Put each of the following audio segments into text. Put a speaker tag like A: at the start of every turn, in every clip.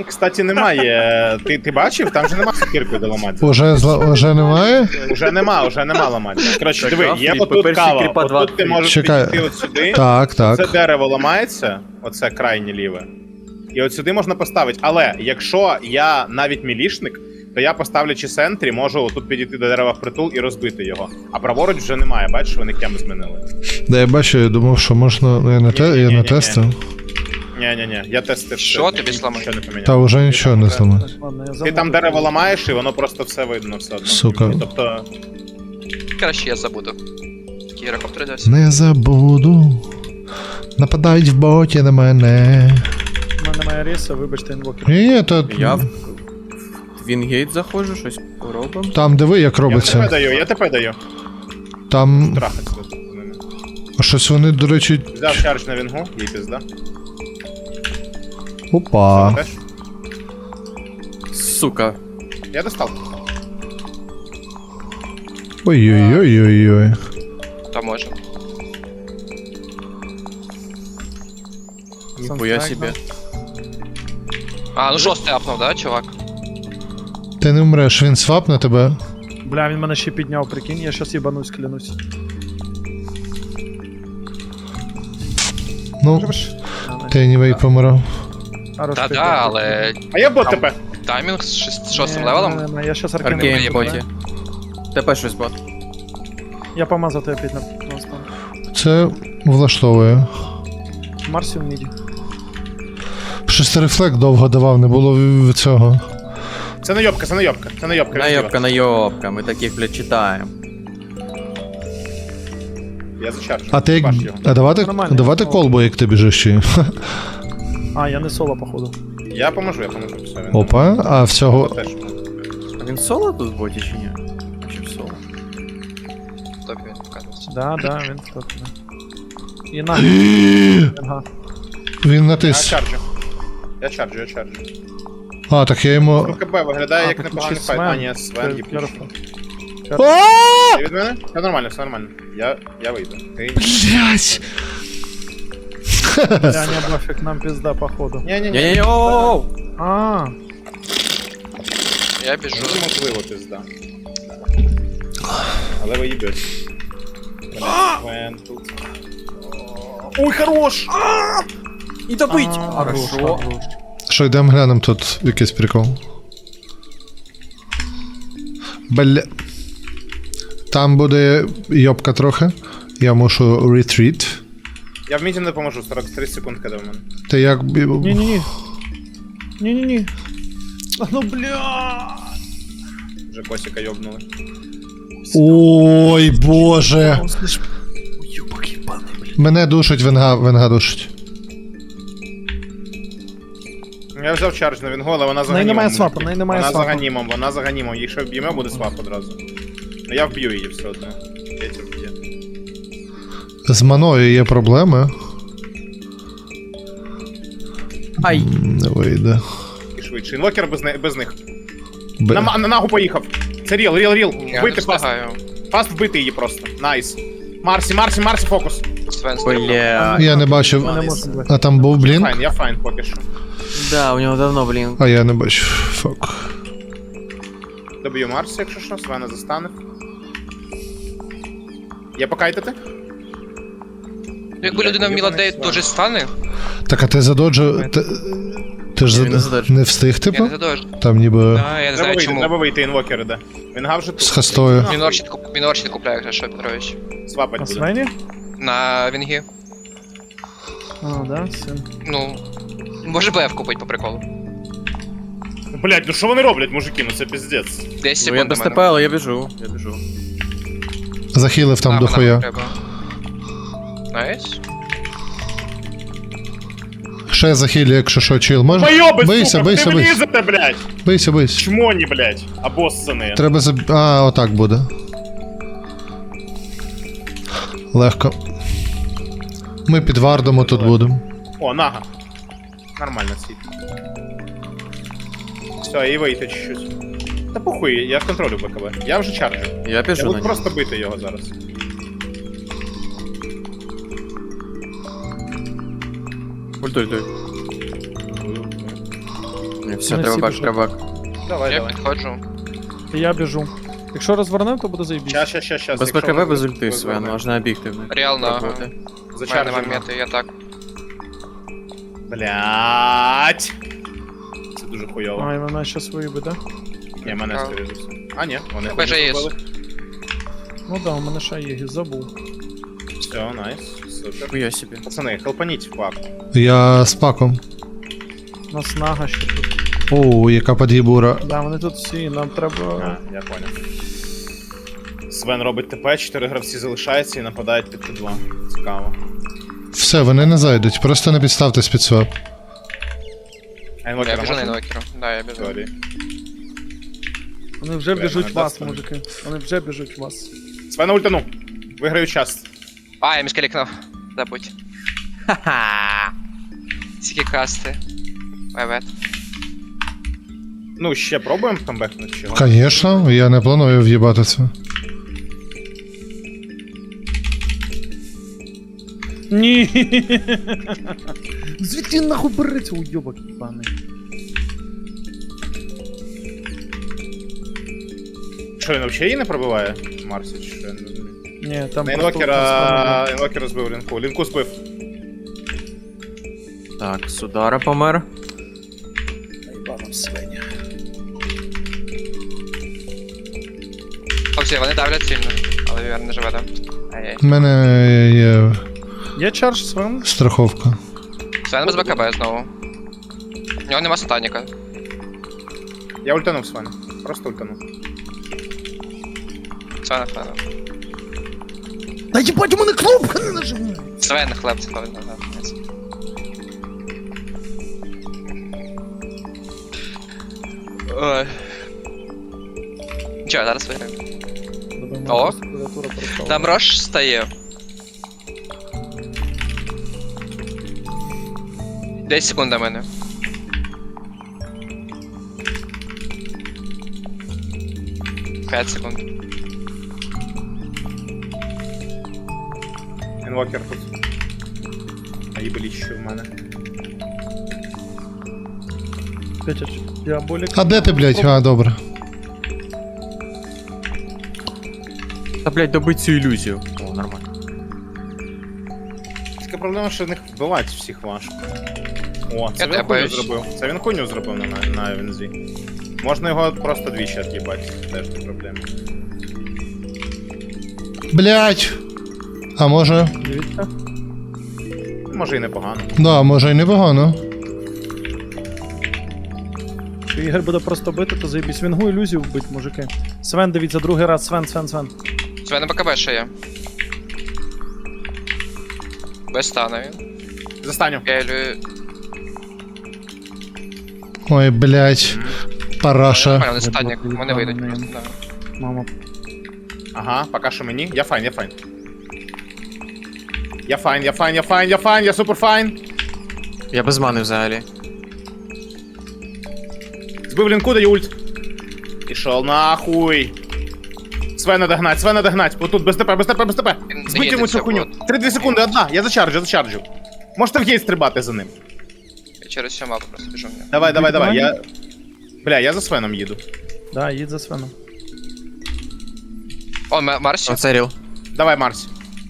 A: Там, кстати, немає. Ти бачив? Там же нема сокиркою де ламати.
B: Уже немає?
A: Уже нема ламати. Коротше, диви, є
C: Афрі,
A: отут
C: перший
A: кава.
C: кріпа два.
A: Отут ти можеш
B: Чекай.
A: підійти от сюди.
B: Так,
A: Це
B: так.
A: дерево ламається, оце крайнє ліве. І от сюди можна поставити. Але якщо я навіть мілішник, то я, поставлячи центрі, можу тут підійти до дерева впритул і розбити його. А праворуч вже немає, бачиш, вони кем змінили.
B: Да, я бачу, я думав, що можна. Я не
A: Ні-ні-ні-ні-ні.
B: тестив.
A: Ні, я тестив.
D: Що
A: все,
D: тобі зламати?
A: нічого не поміняв.
B: Та вже нічого не зламати.
E: Ладно, я
A: Ти
E: забуду.
A: там дерево ламаєш, і воно просто все видно все одно.
B: Сука.
A: Тобто,
D: Краще я забуду. Такий гірокоптер десь.
B: Не забуду. Нападають в боті на мене.
E: У мене немає рейсу, вибачте, інвокер.
B: Ні, то
C: Я в Вінгейт заходжу, щось робимо.
B: там диви, як
A: я ТП
B: робиться.
A: даю, я ТП даю.
B: Там
A: Трахаться тут з ними.
B: щось вони, до речі.
A: Взяв чардж на вінгу, їй пізда.
B: Опа.
A: Теж?
C: Сука.
A: Я достав.
B: Ой-ой-ой-ой-ой.
D: Та може.
C: Ніхуя себе.
D: А, ну шостий апнув, да, чувак?
B: Ти не вмреш, він свапне тебе.
E: Бля, він мене ще підняв, прикинь, я щас їбанусь, клянусь.
B: Ну, ти anyway помирав.
D: Та-да, але
A: А я бот ТП.
D: таймінг з шостим левелом.
E: Я щас аркейн.
C: Аркейн в
D: приємно.
C: боті. ТП щось бот.
E: Я помазав тебе опять на стан.
B: Це влаштовує.
E: Марсі в міді.
B: Щось рефлект довго давав, не було цього.
A: Це найобка, це найобка, це найобка.
C: Найобка, найобка, ми таких, блядь, читаємо.
A: Я зачарджу.
B: А ти як.
A: Бачу його.
B: А давати,
E: Нормально.
B: давати колбу, як ти біжиш ще.
E: А, я не соло, походу.
A: Я поможу, все. Він
B: Опа, а всього.
A: теж.
C: А він соло тут в боті чи ні? Чи в соло?
D: Тобі він показується.
E: Да, він тут. Да. І на. Ага.
B: Він
A: Я
B: натис.
A: чарджу. Я чарджу.
B: А, так я йому.
A: Ну, КБ виглядає як
E: тут
A: непоганий
E: ще
A: файт. А,
E: Свен.
A: ні, Свен є
E: Careful.
A: Ти від мене? Все нормально, все нормально. Я вийду. Ти...
B: Блять!
E: Бля, не бафик, нам пизда, походу.
A: Ні-ні-ні.
C: Ні-ні-ні, оу!
E: А,
D: Я біжу.
A: Ну, можливо, пізда. Але ви їбете. Свен тут. Ой, хорош!
C: І добить!
E: хорош,
C: Хорошо.
E: хорош.
B: Що, йдемо глянемо тут якийсь прикол. Бля. Там буде йобка трохи. Я мушу ретріт.
A: Я в міді не поможу, 43 секундки до мене.
B: Ти як.
E: Ні-ні-ні. Ні-ні-ні. А, ну бля.
A: Вже косика йобнули.
B: Ой, боже. Мене душить, венга душить.
A: Я взяв чардж на вінгу, але вона за
E: В неї
A: ганімом.
E: немає свапу, в неї немає
A: Вона за
E: свапу.
A: ганімом, Якщо вб'ємо, буде свап одразу. Ну я вб'ю її все одно. Петя вб'є.
B: З маною є проблеми.
C: Ай!
B: Не вийде.
A: І швидше. Інвокер без них.
B: Б...
A: На нагу поїхав. Це ріл.
D: Я не
A: Вбити фаст.
D: встигаю.
A: Фаст вбити її просто. Найс. Марсі, фокус.
D: Свен
C: Бля.
B: Я не бачив.
E: Ми не можемо бити.
B: А там був блінк?
A: Файн, я файн поки що.
C: Да, у нього давно, блін.
B: А я не бачу. Фак.
A: Доб'ю Марсі, якщо що, Свена застанив. Є покайтити?
D: Якби людина вміла де дуже стане,
B: Так, а ти задоджив. Ти ж
C: Ні, він не задоджив.
B: не встиг,
D: я
B: типу?
D: не задовжу.
B: Там ніби
D: Я не знаю чому.
A: Треба вийти, інвокер іде. Вінга вже
B: з
A: тут.
B: хастою.
D: Він орчит купляє, якщо що, Петрович.
A: Свапать
E: На
A: буде.
E: Свені?
D: На вінгі.
E: А, да, все.
D: Ну, може БФ купить по приколу.
A: Блять, ну що вони роблять, мужики, ну це піздець.
D: 10
C: Ну я
D: секунд
C: без
D: до
C: ТП,
D: мене.
C: але я біжу. Я біжу.
B: Захилив там
D: А,
B: до
D: вона
B: хуя.
D: треба. Найс.
B: Ще захилю, якщо що, чил. Може?
A: Майоби,
B: Бийся,
A: сука,
B: бийся,
A: ти
B: бийся.
A: влізете, блять!
B: Бийся.
A: Чмоні, блять, обоссані.
B: Треба А, отак буде. Легко. Ми під вардом тут будемо.
A: О, нага. Нормально сидит. Все, і вийти чуть-чуть. Та похуй, я контролю БКБ. Я вже чарджу.
C: Я
A: Я
C: біжу на
A: буду
C: нього.
A: просто бити його зараз.
C: Ультуй. Ні, все,
E: Вони
C: треба
E: всі
C: бак,
E: біжать.
C: треба бак.
A: Давай,
D: Я
A: давай.
D: підходжу.
E: Я біжу. Якщо розвернемо, то буде заєбісь.
A: Щас.
C: Без БКБ, без ульти, Свен, можна обігти в них.
D: Реально, ага.
C: Пробувати.
D: У мене
A: Зачаржимо.
D: моменти, я так.
A: Блять. Це дуже хуйово.
E: А, і вона ще свої буде.
A: Ні, мене
D: Так.
A: скоріше за все. А, ні, вони
D: Тебе же
A: хуйню
D: є.
A: зробили.
E: Ну да, у мене ще є, забув.
A: Все, найс. Супер.
C: Хуя собі.
A: Пацани, хелпаніть в пак.
B: Я з паком.
E: У нас нага ще тут.
B: О, яка под'єбура.
E: Да, вони тут всі, нам
A: А,
E: треба.
A: я понял. Свен робить ТП, 4 гравці залишаються і нападають під Т2. Цікаво.
B: Все, вони не зайдуть, просто не підставтесь під свап.
A: А
D: Я
A: інвокера
D: біжу на
A: можна?
D: інвокеру. Да, я біжу.
A: Сорі.
E: Вони вже
A: Бля,
E: біжуть
A: мене
E: в вас,
A: дасть
E: мужики. Вони вже біжуть в вас.
A: Свена ультану. Виграю час.
D: А, я міскалікнув. Забудь. Ха-ха. Скільки касти. Вайвет.
A: Ну, ще пробуємо камбекнути чого?
B: Конечно, я не планую в'їбати це.
E: Ні. Звідки нахуй береться уйобок їбаний?
A: Що, він взагалі її не пробиває? Марсі, чи що? Я не розумію.
E: Ні, там
A: На
E: просто
A: інвокера збив лінку. Лінку збив.
C: Так, Судара помер.
D: Хлопці, вони давлять сильно, але Вівер не живе, да? Ай-яй.
B: У мене є
E: Є чардж Свен?
B: страховка.
D: Свен без БКБ знову. У нього нема сатаніка.
A: Я ультанув Свена. Просто ультанув.
D: Свен хлеб.
E: Та їбать, у мене кнопка не нажимає.
D: Свен хлеб, це хлеб. Ой. Нічого, зараз виграємо. О. Там Рош стає. 10 секунд до мене. П'ять секунд.
A: Інвокер тут. А їбеліч що в мене.
E: Петяч, я болік.
B: А де ти, блядь? А, добре.
C: Та, блядь, добить цю ілюзію. О, нормально.
A: Така проблема, що в них вбивати всіх важко. О, це
D: Я
A: він хуйню
D: боюсь.
A: зробив. Це він хуйню зробив на Вензі. Можна його просто двічі от'їбати, теж не проблема.
B: Блядь. А може.
E: Дивіться.
A: Може і непогано.
B: Да, може і непогано.
E: Якщо Ігор буде просто бити, то заєбісь. Вінгу ілюзію вбить, мужики. Свен, дивіться, другий раз, Свен.
D: Свен на БКБ ще є. Без стану він.
A: Застаню.
D: Я ілюю.
B: Ой, блядь. Параша.
D: Нормально, не станік, вони вийдуть
E: Ні.
D: просто. Да.
E: Мама.
A: Ага, поки що мені. Я файн. Я супер файн.
C: Я без мани взагалі.
A: Збив лінку, даю ульт. Ішов нахуй. Свена догнать. Отут, без ТП.
D: Він
A: Збить йому
D: наїдеться,
A: цю хуйню.
D: вот.
A: 3-2 секунди, одна. Я зачарджу. Можете в гейт стрибати за ним.
D: Я через всю мапу просто біжу.
A: Давай. Я за Свеном їду.
E: Да, їдь за Свеном.
D: О, Марсі.
C: Оце ріл.
A: Давай, Марсі.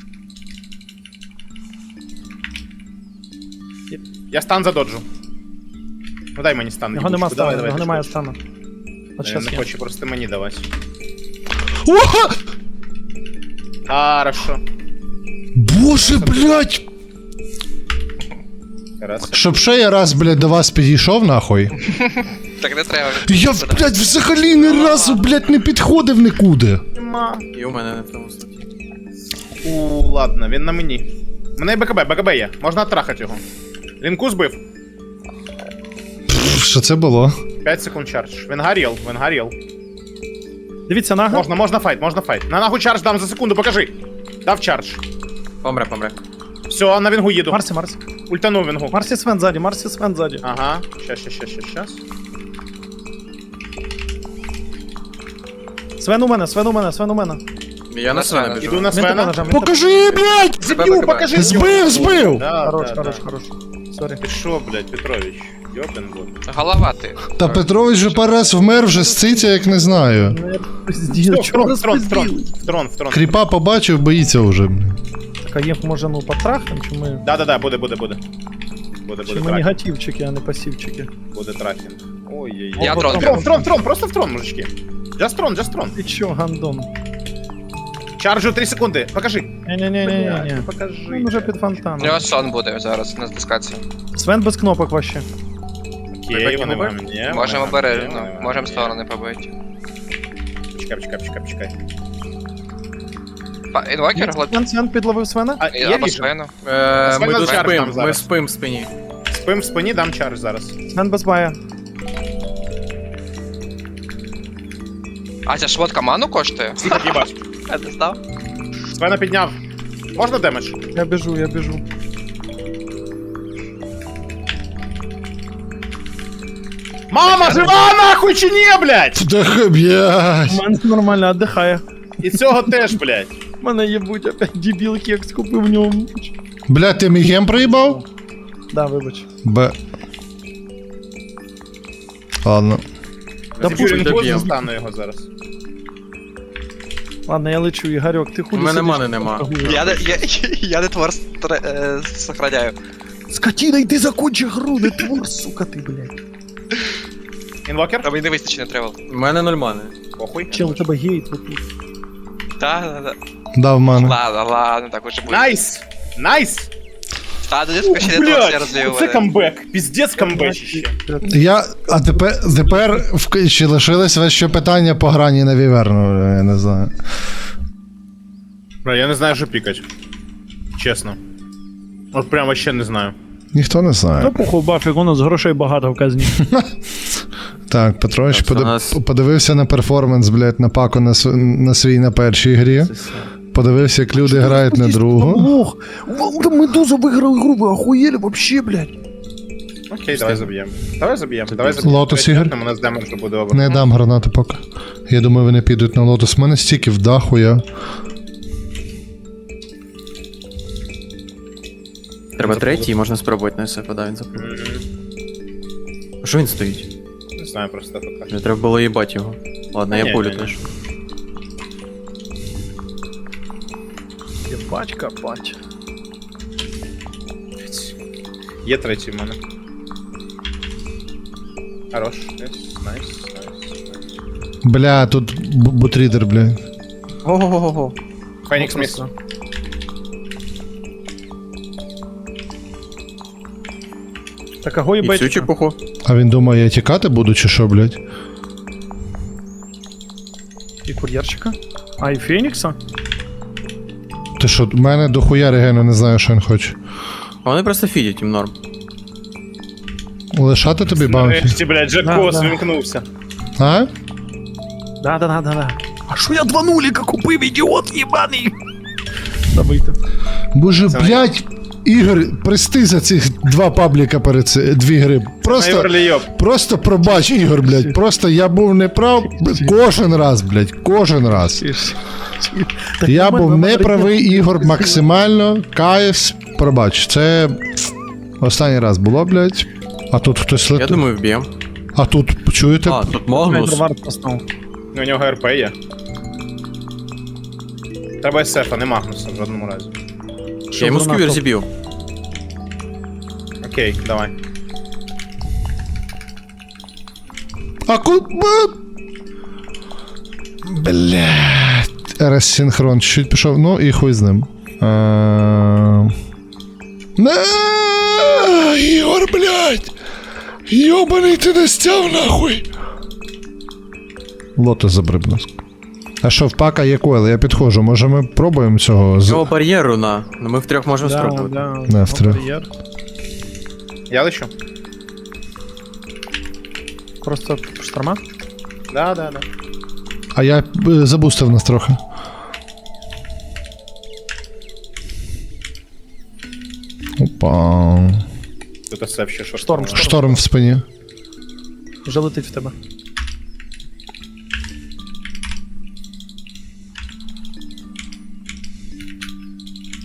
A: Я стан задоджу. Ну дай мені стан.
E: Його нема
A: їбучку. Давай,
E: стану, його немає
A: швидше.
E: стану. От
A: Він
E: щас
A: не
E: є.
A: хоче просто мені давати.
B: О!
A: Хорошо.
B: Боже, блядь!
A: Раз.
B: Щоб ще я раз, блядь, до вас підійшов, нахуй.
D: Так не треба.
B: Я, блядь, взагалі ні разу, блядь, не підходив нікуди.
C: І у мене не в тому статі.
A: Ладно, він на мені. У мене є БКБ є. Можна оттрахати його. Лінку збив.
B: Що це було?
A: 5 секунд чардж. Він горіл.
E: Дивіться, нага.
A: Можна файт. На нахуй чардж дам за секунду, покажи. Дав чардж.
C: Помре.
A: Все, на вінгу їду.
E: Марсі.
A: Ультанув вінгу.
E: Марсі Свен ззаді.
A: Ага. Щас.
E: Свен у мене.
C: Я на Свена
D: Свена.
C: біжу.
A: Іду на
E: Він тебе
A: Свена.
E: нажав.
B: Покажи, блядь!
A: Збив, покажи.
B: Збив!
A: Да,
E: Хорош.
A: да.
E: Сорі.
A: Ти що, блядь, Петрович? Йопен бот.
D: Голова ти.
B: Та Петрович же пару раз вмер вже з циця, як не знаю.
E: Пизділ, чого
A: В трон.
B: Кріпа побачив, боїться вже. блін.
E: Так, а їх може ну потрахнем, чи ми...
A: Да, буде. Буде
E: Чи ми
A: трафінг.
E: негативчики, а не пасивчики?
A: Буде трафінг. Ой-ой-ой.
D: Я
E: О,
D: дрон.
E: трон.
A: В трон, просто в трон, мужички. Just трон.
E: Ти чо, гандон?
A: Чарджу 3 секунди, покажи.
E: Ні-ні-ні-ні-ні.
A: Покажи.
E: Він уже під
D: У
E: фонтаном.
D: нього сон буде зараз на дискації.
E: Свен без кнопок вообще.
A: Окей, вони вам не.
D: Можемо
A: вони
D: обережно,
A: вам не.
D: можемо сторони побити.
A: Почекай.
D: Інвокер, глад.
E: Свен підловив Свена?
A: А, я
D: Або
A: віжу.
D: Свену.
C: Ми тут
A: чарж
C: спим,
A: там
C: ми
A: зараз.
C: спим в спині.
A: Спим в спині, дам чардж зараз.
E: Свен без бая.
D: А ця шмотка ману коштує?
A: Скільки їбаш?
D: Я не знав.
A: Свена підняв. Можна демедж?
E: Я біжу.
A: Мама, жива нахуй чи ні, блядь?
B: Так, блядь.
E: У мене нормально віддихає.
A: І цього теж, блядь.
E: Мене єбуть опять дебіл кекс купив в ньому.
B: Блядь, ти мій гем проїбав?
E: Да, вибач.
B: Б. Ладно.
E: Да
A: Юрій,
E: пушить
A: не
C: доб'єм.
A: застану його зараз.
E: Ладно, я лечу, Ігорьок, ти хуй.
C: У мене мани нема.
D: Я не твор сохраняю.
E: Скотина, йди закончи гру, не твор, сука ти, блядь.
A: Інвокер?
D: А мені не вистачить на тревел.
C: У мене 0 мани.
A: Похуй.
E: Чел, у тебе гейт отут.
D: Так.
B: Дав мене.
D: Ладно, так уже буде.
A: Найс!
D: Та, десь ще не твор
A: Блядь,
D: розвів.
A: це камбек. Піздець камбечище.
B: А тепер ще лишилось вас ще питання по грані на Віверну, я не знаю.
A: Бля, я не знаю, що пікать. Чесно. От прям вообще не знаю.
B: Ніхто не знає.
E: Ну, похуй, бафік, у нас грошей багато в казні.
B: Так, Петрович
C: Так, у нас-
B: подивився на перформанс, блядь, на паку на свій на першій грі. Подивився, як люди грають на другу.
E: Лох, Медуза виграли гру, ви охуєли вообще, блядь.
A: Окей, давай заб'ємо. Давай заб'ємо.
B: Лотос, Ігор?
A: У нас демеджу буде обер.
B: Не дам гранати поки. Я думаю, вони підуть на лотос. У мене стільки в даху я.
C: Треба третій, можна спробувати на СФ, да, він запробує. А що він стоїть?
A: Не знаю, просто пока.
C: Не треба було їбати його. Ладно,
A: Ні,
C: я пулю
A: ні, ні.
C: теж.
E: Єбать, капать.
A: Є третій в мене. Хорош. Найс.
B: Бля, тут бутрідер, бля.
C: Ого-го-го.
A: Фенікс міс.
E: Так, а го
C: І цю
E: їбать.
C: чепуху.
B: А він думає, я тікати буду чи що, блядь?
E: І кур'єрчика. А, і Фенікса?
B: Ти що, в мене дохуя регену, не знаю, що він хоче.
C: А вони просто фідять, їм норм.
B: Лишати тобі баунті?
A: Нарешті, блядь, Джекос
E: Да.
A: вимкнувся.
B: А?
E: Да. А що я 2 нуліка купив, ідіот єбаний? Забийте.
B: Боже, блядь, Ігор, прости за цих 2 пабліка перед 2 гри. Просто пробач, Ігор, блядь. Просто я був неправ кожен раз, блядь, кожен раз. Я був неправий, Ігор, максимально. Кайф, пробач. Це останній раз було, блядь. А тут хтось
C: Я
B: летить.
C: думаю, вб'єм.
B: А тут, чуєте?
C: А, тут Магнус.
E: Варт поставив.
A: У нього РП є. Треба СФ, а не Магнуса в жодному разі.
C: Я йому сквір зіб'ю.
A: Окей, давай.
B: А блядь. РС-синхрон чуть пішов, ну і хуй з ним. Не, Ігор, блядь! Йобаний ти не стяв нахуй! Лото забриб. А що, в пака є койл? Я підходжу, може ми пробуємо цього?
C: Цього бар'єру на. Ну ми втрьох можемо спробувати.
B: Да, втрьох.
A: Я лечу?
E: Просто шторма?
A: Да.
B: А я забустив нас трохи. Опа.
A: Тут СФ ще що.
E: Шторм.
B: Шторм в спині.
E: Вже летить в тебе.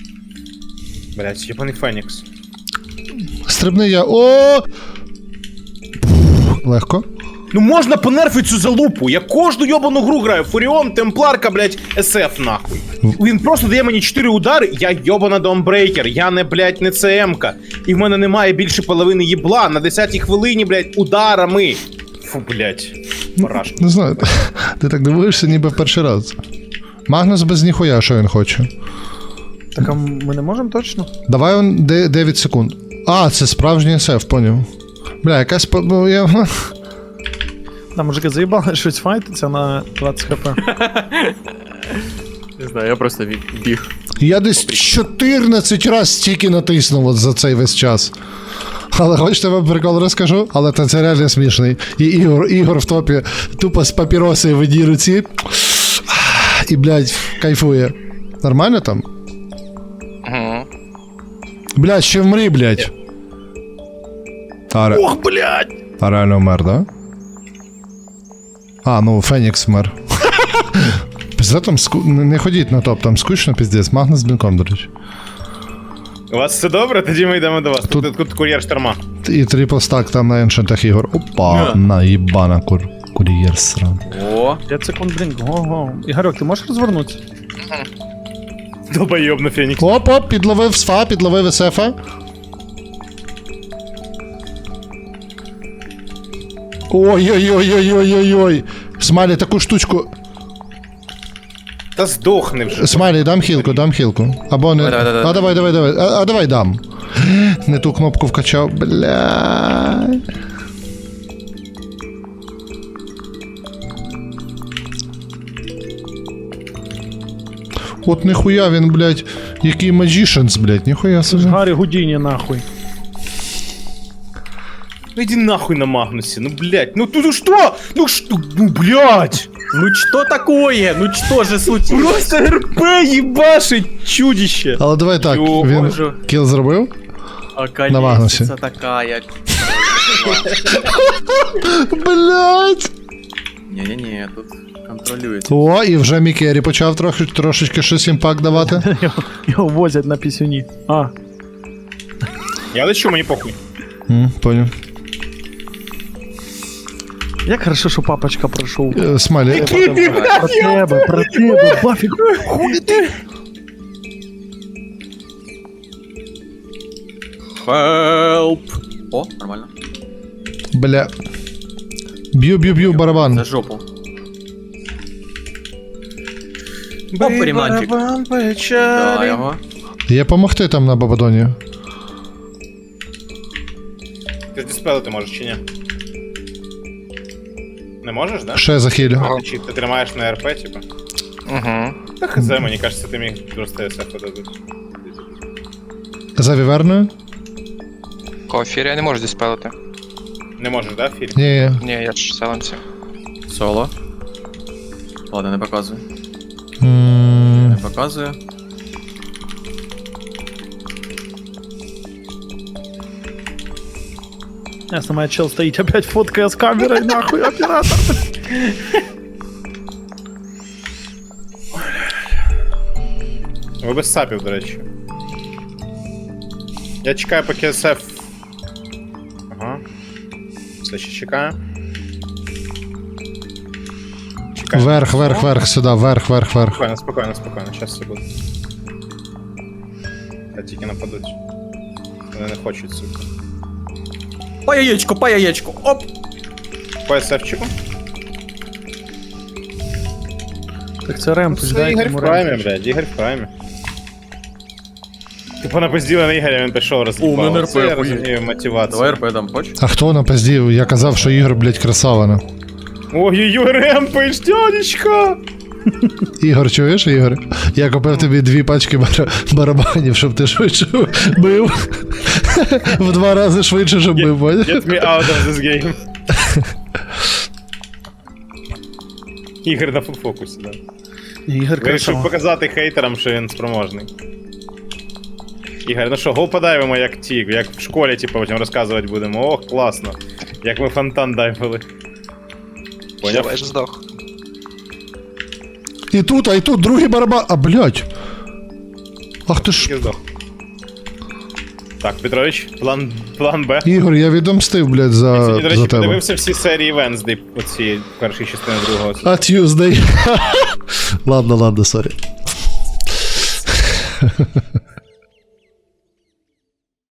A: Блять, єбаний Фенікс.
B: Стрибни я. О! легко.
A: Ну можна понерфити цю залупу. Я кожну йобану гру граю. Фуріон, Темпларка, блядь, СФ нахуй. Він просто дає мені 4 удари, я йобана Домбрейкер, я не, блядь, не ЦМ-ка. І в мене немає більше половини їбла на 10-й хвилині, блядь, ударами. Фу, блядь. Парашка.
B: Не знаю, ти так дивуєшся ніби в перший раз. Магнус без ніхуя, що він хоче.
E: Так, а ми не можемо точно?
B: Давай он 9 секунд. А, це справжній СФ, поняв. Бля, якась... Ну, я...
E: Там мужики заїбали щось файтиться на 20 хп.
C: Не знаю, я просто біг.
B: Я десь 14 раз стільки натиснув от за цей весь час. Але хочете вам прикол розкажу? Але це реально смішний. І Ігор в топі тупо з папіроси в одній руці. І, блядь, кайфує. Нормально там?
D: Угу.
B: Блядь, ще вмри, блядь.
E: Ох, блядь!
B: А реально вмер, да? А, ну Фенікс вмер. Пізде там не ходіть на топ, там скучно піздець. Магнус з блінком, до речі.
A: У вас все добре? Тоді ми йдемо до вас. Тут кур'єр шторма.
B: І трипл стак там на еншентах Ігор. Опа, наїбана кур'єр сран.
C: О,
E: 5 секунд, блін, го-го. Ігорьок, ти можеш розвернутися?
A: Долбойоб на Фенікс.
B: Оп-оп, підловив СФА, підловив СФа. Ой-ой-ой-ой-ой-ой-ой. Смайлі, таку штучку.
A: Та здохни вже.
B: Смайлі, дам хілку. Або не.
C: Давай.
B: А давай. А давай дам. Не ту кнопку вкачав, бля. От ніхуя він, блядь, який magicians, блядь, ніхуя
E: Це ж
B: собі.
E: Гаррі Гудіні, нахуй.
A: Ну иди нахуй на Магнусе, ну блять, ну ты что? Ну что, ну блять!
C: ну что такое? Ну что же случилось?
A: Просто РП ебашить чудище!
B: Але давай так,
A: Йо,
B: він
C: боже.
B: кіл зробив?
C: А
B: На Магнусі.
C: колесица такая.
B: Блять!
C: Не-не-не, тут контролюється.
B: О, і вже Мікері почав трошечки щось імпакт давати.
E: Його возять на пісюні. А,
A: Я лечу, мені похуй.
B: Понял.
E: як хорошо, що папочка пройшов.
B: Смайлі.
E: Про тебе, Бафік. Хуй ти.
C: Help! О, нормально.
B: Бля. Б'ю барабан.
C: За жопу. Оп, реманчик. Да, його.
B: Є помогти там на Бабадоні.
A: Ти ж диспелити можеш чи ні? Не можеш, да?
B: Ще захилю.
A: Чи ти тримаєш на РП, типа?
D: Угу.
A: Та хз, мені кажется, ти міг просто СФ дадуть.
B: За віверною?
D: Кофір я не можу диспелити.
A: Не можеш, да, Філь?
B: Ні.
D: Ні, я ж селенці.
C: Соло. Ладно, не показую.
B: М,
C: Не показую.
E: Ясно, моя чел стоїть опять фоткає з камерою, нахуй, оператор.
A: Ви без сапів, до речі. Я чекаю, поки СФ. Ага. Все ще чекаю. Чекаю.
B: Верх, сюди, верх.
A: Спокойно, щас все буде. Та тільки нападуть. Вони не хочуть, сука.
C: По яєчку, оп!
A: По СФчику?
E: Так це ремпуш,
A: Це
E: дай
A: Ігор в
E: йому
A: праймі,
E: ремпуш.
A: блядь, Ігор в праймі. Типу напизділи на Ігоря, він пішов роз'їбав.
C: О, мене
A: Це я
C: РП хує.
A: розумію мотивацію.
C: Давай РП дам, хочеш?
B: А хто напиздів? Я казав, що Ігор, блядь, красавина.
A: Ой-ой-ой, ремпиш, дядечка!
B: Ігор, чуєш, Ігор? Я купив тобі 2 пачки барабанів, щоб ти швидше бив. В 2 рази швидше, щоб бив, поняв?
A: Get me out of this game. Ігор на фулфокусі, да.
E: Ігор
A: Вирішив
E: красава.
A: показати хейтерам, що він спроможний. Ігор, ну що, гол подайвимо як ті, як в школі, типу, потім розказувати будемо. Ох, класно. Як ми фонтан дайвили. Поняв?
D: Я ж здох.
B: І тут другий барабан. А, блядь. Ах ти ж.
A: Я здох. Так, Петрович, план Б.
B: Ігор, я відомстив, блядь,
A: Я сьогодні, до речі,
B: за тебе.
A: подивився всі серії Венсдей, оці перші частини другого.
B: А Tuesday. Ладно, сорі.